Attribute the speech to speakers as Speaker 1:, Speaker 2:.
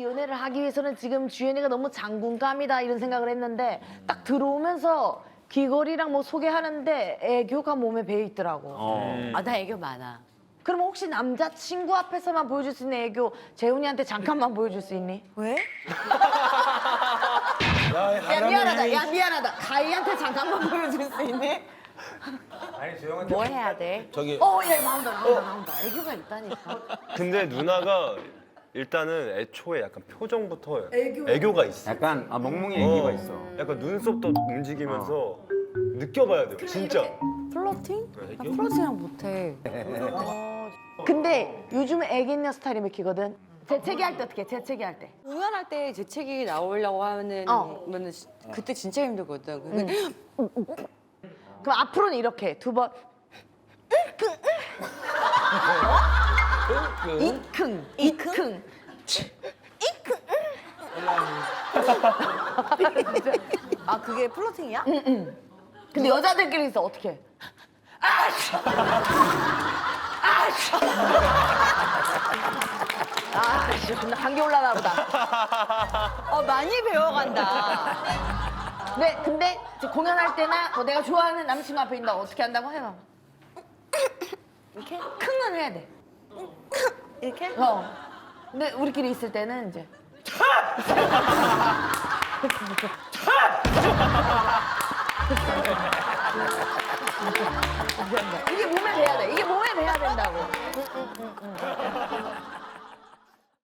Speaker 1: 연애를 하기 위해서는 지금 주연이가 너무 장군감이다 이런 생각을 했는데 딱 들어오면서 귀걸이랑 뭐 소개하는데 애교가 몸에 배어 있더라고.
Speaker 2: 아, 나 애교 많아.
Speaker 1: 그럼 혹시 남자친구 앞에서만 보여줄 수 있는 애교 재훈이한테 잠깐만 보여줄 수 있니?
Speaker 2: 왜?
Speaker 1: 야 미안하다. 야 미안하다. 가희한테 잠깐만 보여줄 수 있니?
Speaker 3: 아니 조용한데.
Speaker 2: 뭐 해야 돼?
Speaker 3: 저기
Speaker 1: 야 나온다. 애교가 있다니까.
Speaker 4: 근데 누나가 일단은 애초에 약간 표정부터 애교가 있어.
Speaker 3: 약간 멍멍이 애기가 있어.
Speaker 4: 약간 눈썹도 움직이면서 느껴봐야 돼요, 진짜.
Speaker 2: 플러팅? 나 플러팅이랑 못해.
Speaker 1: 근데 요즘 애기 있는 스타일이 맥히거든. 재채기 할 때 어떻게 해? 재채기 할 때.
Speaker 2: 공연할 때 재채기 나오려고 하면은 그때 진짜 힘들거든.
Speaker 1: 그럼 앞으로는 이렇게 해. 두 번. 이킁. 이킁.
Speaker 2: 아, 그게 플러팅이야?
Speaker 1: 근데 여자들끼리 있어 어떻게 해? 아씨 나 감기 올라나 보다.
Speaker 2: 많이 배워간다.
Speaker 1: 네, 근데 이제 공연할 때나 뭐 내가 좋아하는 남친구 앞에 있다 어떻게 한다고 해봐. 이렇게 킁은 해야 돼.
Speaker 2: 이렇게?
Speaker 1: 근데 우리끼리 있을 때는 이제 이게 몸에